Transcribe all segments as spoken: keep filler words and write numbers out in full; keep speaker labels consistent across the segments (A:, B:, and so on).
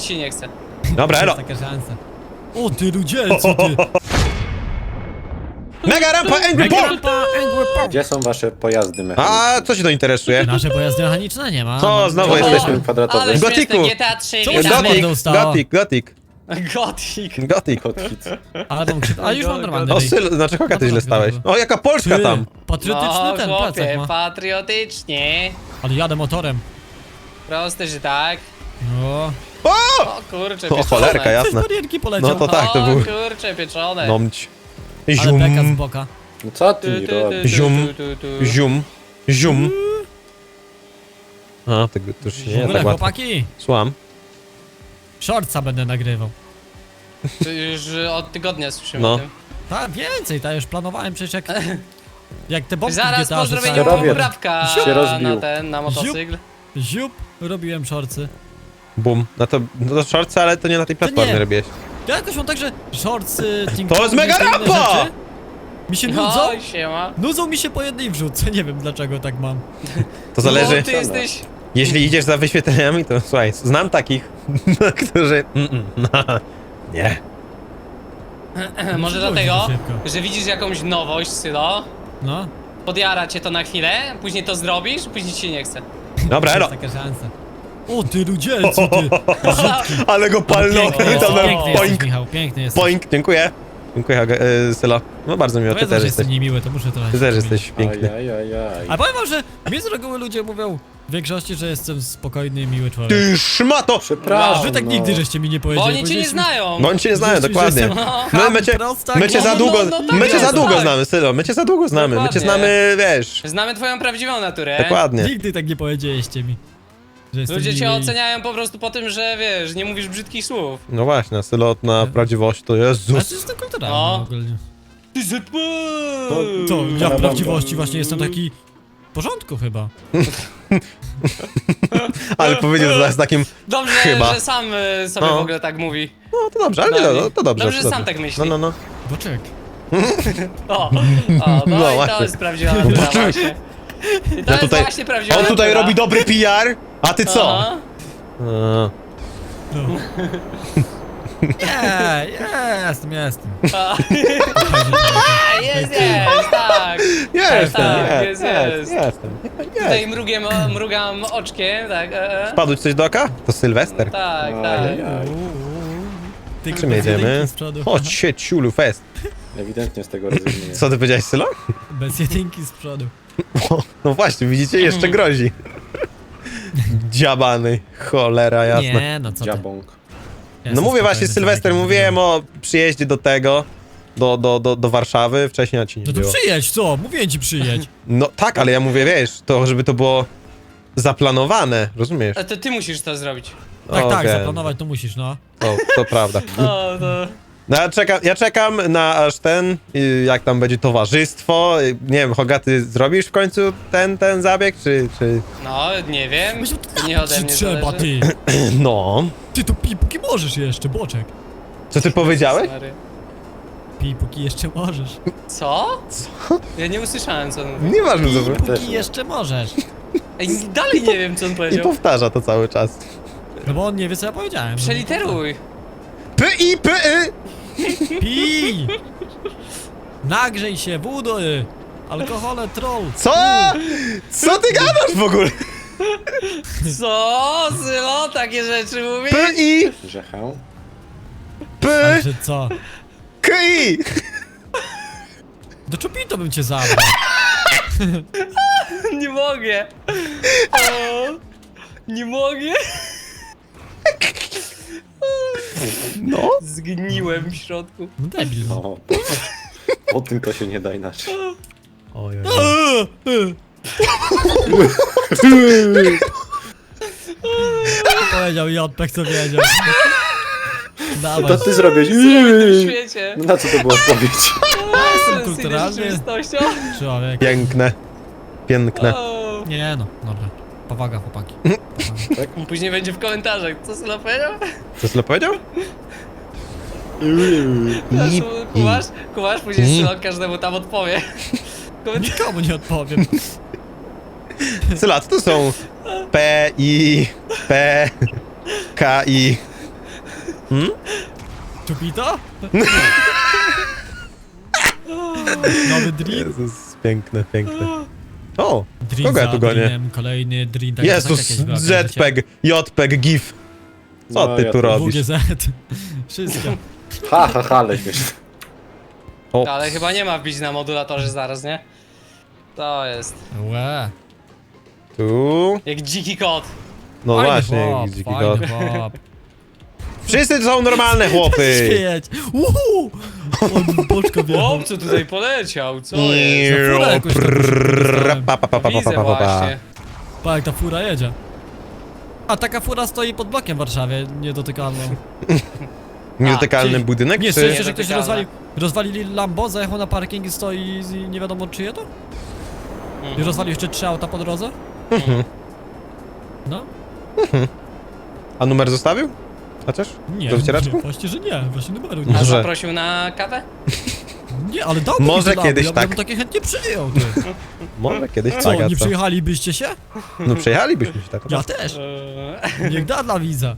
A: ci się nie chce.
B: Dobra, elo.
C: Taka szansa. O ty ludzielcu, ty!
B: Mega rampa Angry
C: Mega
B: Pop!
C: rampa, Angry Pop.
D: Gdzie są wasze pojazdy mechaniczne?
B: A co cię to interesuje?
C: Nasze pojazdy mechaniczne nie ma.
B: Co, znowu
A: O,
B: jesteśmy
D: Jesteśmy kwadratowy.
A: Ale
B: W Gotiku.
A: śmieszne, G T A trzy,
C: Co
A: witamy.
C: za mordą
B: Gotik,
C: stało?
B: gotik, gotik,
A: Gothic.
B: gotik.
D: Hotfit.
C: Ale tam krzyk... A już mam normalny
B: O,
C: ryj.
B: syl, znaczy koka ty
C: No
B: źle
C: to
B: stałeś.
C: dobra.
B: O, jaka Polska
C: Ty,
B: tam.
C: patriotyczny
A: No,
C: ten
A: chłopie,
C: plecak ma.
A: patriotycznie.
C: Ale jadę motorem.
A: Proste, że tak.
C: O,
B: O!
A: O kurcze,
B: O,
A: pieczone.
B: cholerka,
C: coś
B: jasne.
C: barierki poleciał.
B: No to tak, to
A: O
B: był...
A: kurcze, pieczone.
B: Nomć.
C: Ale beka z
B: Zium,
C: boka.
D: No co
A: Tu,
D: ty
A: tu, tu,
D: robisz?
A: tu,
B: Zium.
A: tu, tu, tu.
B: zium, zium. A, tego to już
C: W
B: nie
C: ogóle,
B: tak łatwo.
C: chłopaki,
B: Słucham.
C: shortsa będę nagrywał.
A: To już od tygodnia słyszymy
B: No.
A: o tym.
C: Tak, więcej, tak już planowałem przecież jak... Jak te bombki w
A: Zaraz
C: G T A
A: po zrobieniu
C: rzucałem.
D: Robię.
A: poprawka
D: Się rozbił.
A: na ten, na motocykl.
C: Ziup, robiłem shortsy.
B: Bum. No to, no to shortsy, ale to nie na tej platformie
C: nie.
B: robiłeś.
C: Ja jakoś mam tak, że shortsy,
B: To jest mega rampa!
C: Mi się nudzą,
A: No, siema.
C: nudzą mi się po jednej wrzutce, nie wiem dlaczego tak mam.
B: To zależy.
A: Bo ty jesteś...
B: Jeśli idziesz za wyświetleniami, to słuchaj, znam takich, którzy... Mm, mm, no, nie.
A: Może
C: Ludzie
A: dlatego,
C: to szybko.
A: że widzisz jakąś nowość, Sylo,
C: No,
A: podjara cię to na chwilę, później to zrobisz, później ci się nie chce.
B: Dobra, elo.
C: jest taka szansa. O ty ludzielcu, ty!
B: Ale go palnął.
C: Piękny
A: to
C: jesteś,
A: no,
C: piękny jesteś,
B: Poink,
C: Michał, piękny jesteś.
B: poink, dziękuję. Dziękuję, e, Sylo. No bardzo miło, ty
C: Powiedzą,
B: też
C: że
B: jesteś.
C: jestem niemiły, to muszę trochę
B: Ty
C: się
B: też
C: zmienić.
B: jesteś piękny.
D: Ajajajaj.
C: A powiem wam, że mnie z reguły ludzie mówią w większości, że jestem spokojny i miły człowiek.
B: Ty szmato!
D: Przepraszam,
C: Wy tak
D: no.
C: nigdy żeście mi nie
A: Bo
C: powiedzieli.
A: oni cię nie
C: Powiedzieliście mi-
A: znają.
B: No oni cię nie znają,
C: Że-
B: dokładnie.
C: że
A: No,
B: My, my cię,
C: prostak.
B: my cię
A: No,
B: za
A: no,
B: długo,
A: no, tak
B: my cię
A: jest,
B: za długo
A: tak.
B: znamy, Sylo, my cię za długo znamy, my cię
A: Dokładnie.
B: znamy, wiesz,
A: Znamy twoją prawdziwą naturę.
B: dokładnie.
C: Nigdy tak nie powiedzieliście mi. Że jestem
A: Ludzie cię
C: miły i-
A: oceniają po prostu po tym, że wiesz, nie mówisz brzydkich słów.
B: No właśnie, Sylo na prawdziwość to
C: Ale
B: Jezus.
C: to jestem kulturalny
A: No.
C: ogólnie.
A: Ty Z P!
C: To ja w
D: Dobra.
C: prawdziwości właśnie jestem taki... W porządku chyba.
B: Ale powiedział to z takim,
A: Dobrze,
B: Chyba.
A: że sam y, sobie
B: No.
A: w ogóle tak mówi.
B: no to dobrze, ale
A: Dalej.
B: no, to dobrze.
A: Dobrze,
B: to
A: że sam
B: dobrze.
A: tak myśli.
B: No, no, no.
C: Boczek.
A: O, o no,
B: No
A: i
B: właśnie.
A: to jest prawdziwa natura właśnie. I to
B: Ja
A: jest
B: tutaj,
A: właśnie prawdziwa
B: on tutaj
A: natura.
B: robi dobry P R, a ty co?
A: Aha.
B: A,
C: No. Nie, jestem, jestem.
A: A, jest, jest, tak.
B: Jestem,
A: tak,
B: jest,
A: jest,
B: jest,
A: jest.
B: jestem.
A: Tutaj
B: Jest.
A: mrugiem, mrugam oczkiem, tak. E, e.
B: Spadł ci coś do oka? To Sylwester.
A: Tak, tak.
D: Ajajaj.
C: Ty
B: Czym jedziemy?
C: z przodu.
B: Chodź się, ciulu, fest.
D: Ewidentnie z tego rezygnuję.
B: Co ty powiedziałeś, Sylo?
C: Bez jedynki z przodu.
B: No właśnie, widzicie, jeszcze grozi. Dziabany, cholera jasna.
C: Nie, no co ty.
D: Dziabąk.
C: Ja
B: No
C: jestem
B: mówię właśnie,
C: spokojny
B: Sylwester,
C: człowiek,
B: mówiłem
C: nie
B: o przyjeździe do tego, do, do, do, do Warszawy, wcześniej a ci nie
C: No to
B: było.
C: przyjedź, co? Mówiłem ci przyjedź.
B: No tak, ale ja mówię, wiesz, to żeby to było zaplanowane, rozumiesz?
A: A to ty musisz to zrobić.
C: Tak, tak,
B: Okej,
C: zaplanować to musisz, no.
B: To, to prawda.
A: O, to...
B: No, ja, czekam, ja czekam na aż ten, y, jak tam będzie towarzystwo, y, nie wiem, Hogaty, zrobisz w końcu ten, ten zabieg, czy, czy...
A: No, nie wiem.
C: Myślę,
A: To nie ode
C: ci
A: mnie
C: trzeba,
A: zależy.
C: ty.
B: No.
C: Ty to pij, póki możesz jeszcze, boczek.
B: Co ty powiedziałeś?
A: Stary.
C: Pij, póki jeszcze możesz.
A: Co? Co? Ja nie usłyszałem, co on mówi.
B: Nieważne, co
C: Pij,
B: wy-
D: też
C: póki
D: nie.
C: jeszcze możesz.
A: Ej, dalej nie wiem, co on
B: I
A: powiedział.
B: powtarza to cały czas.
C: No bo on nie wie, co ja powiedziałem.
A: Przeliteruj.
B: P I P Y!
C: Pij! Nagrzej się, wody! Alkohole, troll!
B: Co? Co ty gadasz w ogóle?
A: Co? Sylo, takie rzeczy mówi?
B: P I
D: Rzechę.
B: P
C: Ale że co?
B: K I
C: Do Chopito bym cię zabrał.
A: Nie mogę. O, nie mogę.
B: No.
A: Zgniłem w środku.
C: No debil. No.
D: O, po tym to się nie da inaczej.
B: Ojej.
C: Powiedział Jopek, co wiedział. Dawaj.
D: To ty zrobisz.
A: W tym świecie.
D: No na co to była odpowiedź?
C: jestem
A: Z
C: kulturalny.
A: rzeczywistością.
C: Człowiek.
B: Piękne. Piękne.
A: O.
C: Nie no, dobra. Powaga, chłopaki.
A: Później będzie w komentarzach. Co Sylo powiedział?
B: Co Sylo powiedział?
A: Kumasz, kumasz, kumasz, później
B: Nie.
A: Sylo każdemu tam odpowie. Komentarz.
C: Nikomu nie odpowiem.
B: Sylo, co to są P I P K I Hmm?
C: Chupito? Nowy dream?
B: Jezus, piękne, piękne. O,
C: Dream
B: kogo ja
C: za
B: tu gonię?
C: dreamem, kolejny dream. tak- tak
B: Jezus,
C: jakieś była,
B: Jetpack, JPEG, GIF. Co
D: No,
B: ty
D: ja
B: tu
D: to-
B: robisz?
C: W G Z. Wszystko.
D: Ha, ha, ha, ale śmieszne.
B: O,
A: No, ale chyba nie ma wbić na modulatorze zaraz, nie? To jest.
C: Łe.
B: tu.
A: Jak dziki kot.
B: No
C: Fajny
B: właśnie,
C: chłop,
B: dziki
C: fajny
B: god.
C: chłop.
B: Wszyscy są normalne chłopy.
C: Świeć! Uhu! On boczko wjechał.
A: Chłopcu tutaj poleciał, co jest?
C: Za furę jakoś tam
B: Prrrr, pa, pa, pa, pa, pa,
A: Widzę
B: pa, pa, pa.
A: właśnie.
C: Pa, jak ta fura jedzie. A taka fura stoi pod blokiem w Warszawie, niedotykalną.
B: Niedotykalny
C: czyli-
B: budynek,
C: Nie,
B: czy...
C: szczęście, że ktoś
A: Niedotykalna.
C: rozwalił, rozwalili Lambo, zajechał na parking i stoi i nie wiadomo czyje to? I
A: Mhm.
C: rozwalił jeszcze trzy auta po drodze? No?
B: A numer zostawił? Chociaż?
C: Nie,
B: Do wycieraczku?
C: nie, właśnie, że nie, właśnie numeru
A: A
C: nie.
B: Może.
A: zaprosił na kawę?
C: Nie, ale dałbym
B: Może
C: mi to
B: kiedyś
C: Lambo, ja bym
B: tak.
C: takie chętnie przyjął, ty.
B: Może kiedyś
C: Co,
B: tak, a
C: nie
B: co?
C: przyjechalibyście się?
B: No przejechalibyśmy się tak.
C: Ja też.
A: Eee,
C: Niech da dla widza.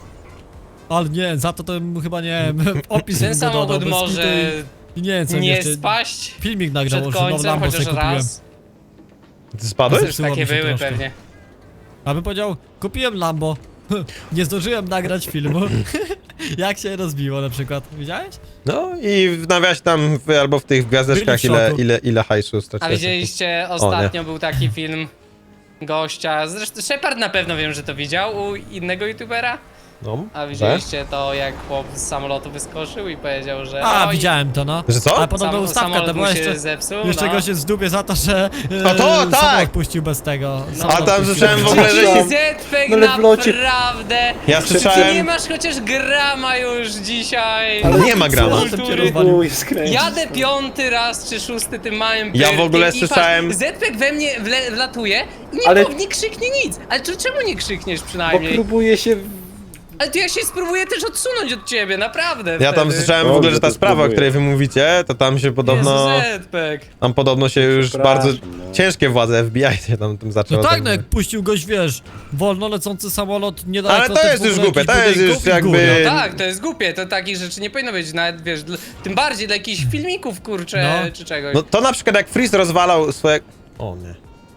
C: Ale nie, za to to bym chyba nie wiem, opis
A: Ten
C: bym go dodał,
A: samochód
C: bez
A: może
C: kitu i- i nie wiem co
A: nie
C: jeszcze,
A: spaść
C: filmik nagrał,
A: przed
C: że nowy
A: końcem,
C: Lambo sobie
A: chociaż
C: kupiłem.
A: raz.
B: Ty
A: To
B: spadłeś?
A: już
C: Zepsuło
A: takie
C: mi się
A: były
C: troszkę.
A: pewnie.
C: A bym powiedział, kupiłem Lambo, nie zdążyłem nagrać filmu, jak się rozbiło na przykład, widziałeś?
B: No i w nawiasie tam, w, albo w tych gwiazdeczkach
C: Byli w
B: ile,
C: szoku.
B: ile, ile hajsu
A: A
B: straciłeś.
A: widzieliście, ostatnio był taki film gościa, zresztą Shepard na pewno wiem, że to widział u innego youtubera.
B: No,
A: A
B: że?
A: widzieliście to, jak chłop z samolotu wyskoczył i powiedział, że
C: A,
A: oj,
C: widziałem to, no.
B: Że co?
C: Ale podobno
A: sam,
C: ustawka
A: samolot
C: to była
A: mu się
C: jeszcze,
A: zepsuł,
C: jeszcze
A: no.
C: go się zdubię za to, że
B: A to,
C: e,
B: tak!
C: samolot puścił bez tego.
A: No.
C: samolot
B: A tam
C: puścił
B: słyszałem
C: bez-
B: w ogóle, że się...
A: Zetpek,
D: No ale w locie-
A: naprawdę!
B: Ja
A: Ty
B: słyszałem...
A: nie masz chociaż grama już dzisiaj!
B: Ale nie ma grama.
C: Co?
A: Kultury.
C: rozwalił.
D: Uj, skręcisz.
A: Jadę piąty raz czy szósty tym małym
B: Ja w
A: pyrkiem
B: ogóle
A: i patrz,
B: słyszałem-
A: Zetpek we mnie wle, wlatuje i nie,
D: Ale-
A: ale... nie krzyknie nic! Ale to czemu nie krzykniesz
D: Bo
A: przynajmniej?
D: próbuję się...
A: Ale to ja się spróbuję też odsunąć od ciebie, naprawdę
B: Ja tam
A: wtedy.
B: słyszałem w ogóle, że ta
D: Dobrze, to
B: sprawa, o
D: spróbuję.
B: której wy mówicie, to tam się podobno...
A: Jezu, Zetpek.
B: Tam podobno się już
D: Przepraszam,
B: bardzo
D: no.
B: ciężkie władze F B I się tam tym zaczęło.
C: No tak,
B: tam-
C: no jak puścił goś, wiesz, wolno lecący samolot niedaleko
B: Ale to
C: też
B: jest
C: w ogóle
B: już głupie,
C: jakichś
B: to jest
C: budynków
B: już
C: i góry.
B: jakby-
A: No tak, to jest głupie, to takich rzeczy nie powinno być, nawet wiesz, dla, tym bardziej dla jakichś filmików, kurczę,
C: No.
A: czy czegoś.
B: No to na przykład jak Freeze rozwalał swoje... O nie.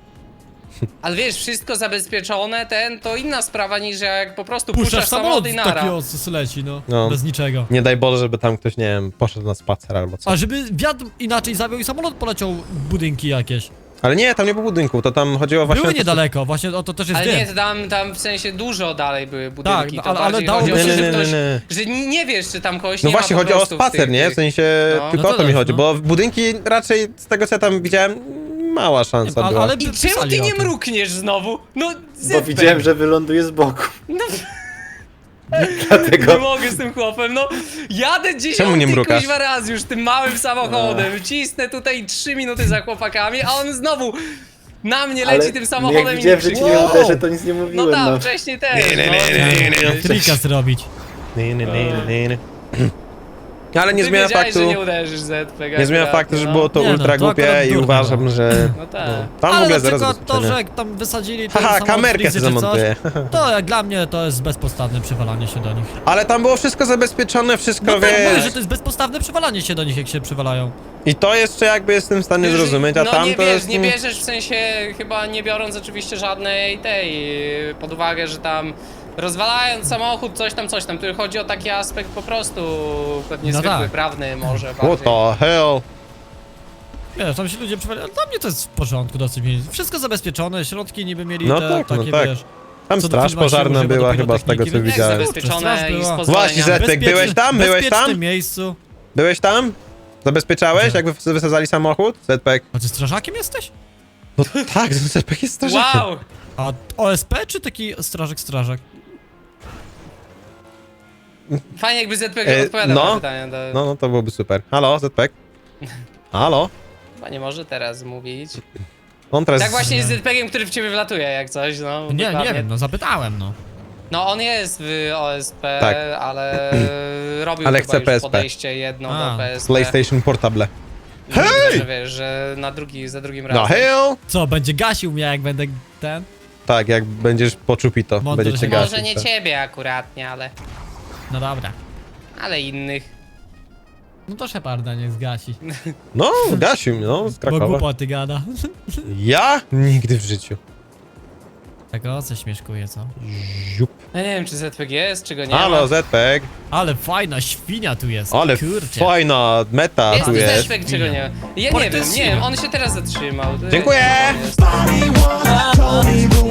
A: Ale wiesz, wszystko zabezpieczone, ten, to inna sprawa niż jak po prostu
C: Puszczasz
A: puszczasz
C: samolot
A: samolot i nara.
C: taki os leci, no,
B: No.
C: bez niczego.
B: Nie daj Boże, żeby tam ktoś, nie wiem, poszedł na spacer albo co.
C: A żeby wiatr inaczej zawiał i samolot poleciał w budynki jakieś.
B: Ale nie, tam nie było budynku, to tam chodziło właśnie...
C: Były
B: o to,
C: niedaleko, właśnie o to też jest
A: Ale nie,
C: wiem.
A: to tam, tam w sensie dużo dalej były budynki,
C: Tak, no,
A: to
C: ale- ale
A: bardziej
C: dało
A: chodzi o
C: się-
A: to,
B: Nie,
A: że
B: nie, nie,
A: ktoś,
B: nie.
A: że nie wiesz, czy tam kogoś
B: No
A: nie
B: właśnie,
A: ma po
B: chodzi o
A: prostu w
B: spacer,
A: tych-
B: nie? W
A: tych-
B: sensie,
A: No.
B: tylko
C: No
B: o
C: to
B: to mi
C: też,
B: chodzi,
C: no.
B: bo w budynki raczej, z tego co ja tam widziałem, mała szansa
C: Ale-
B: była.
C: ale-
A: I czemu
C: pisali
A: ty
C: o
A: nie
C: tym.
A: mrukniesz znowu? No,
D: Bo
A: Zetpek.
D: widziałem, że wyląduje z boku.
A: No, nie
D: Dlatego...
A: mogę z tym chłopem, no jadę
B: Czemu nie
A: dziesiąty
B: mrukasz?
A: kuźwa raz już tym małym samochodem, cisnę tutaj trzy minuty za chłopakami, a on znowu na mnie leci
D: Ale
A: tym
D: no
A: samochodem
D: jak
A: i
D: widziałem,
A: nie
D: że ci
A: krzyczy.
D: nie
B: Wow.
D: uderzę, to nic nie
A: No
D: mówiłem,
A: tak,
D: no.
A: wcześniej też,
B: Nie, nie,
A: no.
B: nie, nie, nie.
C: Trika zrobić.
B: Nie, nie, nie, nie, nie. Ale nie
A: Ty
B: zmienia
A: wiedziałeś,
B: faktu,
A: że nie uderzysz Z P G.
B: nie zmienia
A: akurat,
B: faktu, że
A: no.
B: było to
C: Nie no,
B: ultra
C: to
B: głupie
C: akurat
B: i
C: durne
B: uważam,
C: było.
B: że...
A: No tak.
B: No, tam w
C: Ale
B: ogóle
C: na
B: zaraz
C: przykład to,
B: zabezpieczenia.
C: że jak tam wysadzili ten
B: Haha,
C: samolot
B: kamerkę
C: Freezy
B: się
C: czy coś,
B: zamontuję.
C: to jak dla mnie to jest bezpodstawne przywalanie się do nich.
B: Ale tam było wszystko zabezpieczone, wszystko
C: No tak, mówię,
B: wiesz.
C: że to jest bezpodstawne przywalanie się do nich, jak się przywalają.
B: I to jeszcze jakby jestem w stanie
A: Już-
B: zrozumieć, a
A: no
B: tam
A: nie
B: to
A: bierz,
B: jest...
A: nie bierzesz w sensie, chyba nie biorąc oczywiście żadnej tej yy, pod uwagę, że tam rozwalając samochód, coś tam, coś tam, tu chodzi o taki aspekt po prostu pewnie
C: No
A: zwykły,
C: tak.
A: prawny może
B: What
A: bardziej.
B: the hell?
C: Wiesz, tam się ludzie przywalają, ale dla mnie to jest w porządku dosyć. Wszystko zabezpieczone, środki niby mieli
B: No
C: te
B: tak, no
C: takie,
B: tak.
C: wiesz...
B: Tam
C: Co do
B: straż
C: filmu się
B: pożarna
C: używa
B: była
C: dopiero
B: chyba z tego co
C: techniki,
A: Jak
B: widziałem.
C: Straż
A: zabezpieczone i z
C: była.
A: pozwolenia.
B: Właśnie, Zetek,
C: bezpieczny-
B: byłeś tam? Byłeś tam?
C: bezpiecznym miejscu.
B: Byłeś tam? Zabezpieczałeś,
C: Gdzie?
B: jak wy- wysadzali samochód? Zetpek.
C: A ty strażakiem jesteś?
B: No tak, Zetpek jest strażakiem.
A: Wow!
C: A O S P czy taki strażak strażak?
A: Fajnie jakby Z P
B: E,
A: odpowiadał
B: no.
A: na pytania. To...
B: No, no to byłoby super. Halo, Zetpek? Halo?
A: Chyba nie może teraz mówić.
B: On teraz...
A: Tak właśnie jest z Z P G-iem, który w ciebie wlatuje jak coś, no.
C: Nie, nie
A: dokładnie.
C: wiem, no zapytałem, no.
A: No on jest w O S P,
B: Tak.
A: ale robił
B: Ale
A: chyba
B: chce
A: już
B: P S P.
A: podejście jedno
C: A,
A: do P S P.
B: PlayStation Portable.
A: Hej!
B: Hej!
A: Że wiesz, że na drugi, za drugim
B: No
A: razem.
B: hell!
C: Co, będzie gasił mnie, jak będę ten?
B: Tak, jak będziesz po Chupito,
C: Mądrze
B: będziecie
C: się
B: gasić.
A: Może nie
B: tak.
A: ciebie akuratnie, ale...
C: No dobra.
A: Ale innych.
C: No to Sheparda nie zgasi.
B: No, gasił mnie, no, z
C: Bo
B: Krakowa.
C: głupoty gada.
B: Ja? Nigdy w życiu.
C: Tak o, co śmieszkuje, co?
B: Ziup.
A: Ja nie wiem, czy Z P G jest, czy go nie
B: Halo,
A: ma.
B: Zpek.
C: Ale fajna świnia tu jest.
B: Ale
C: Kurczę.
B: fajna meta
A: Jest
B: tu
A: tu
B: jest.
A: Z P G, czego nie ma. Ja nie
C: Ale to
A: wiem,
C: jest
A: nie wiem,
C: świnia.
A: on się teraz zatrzymał.
B: Dziękuję.
A: To jest-
E: Told me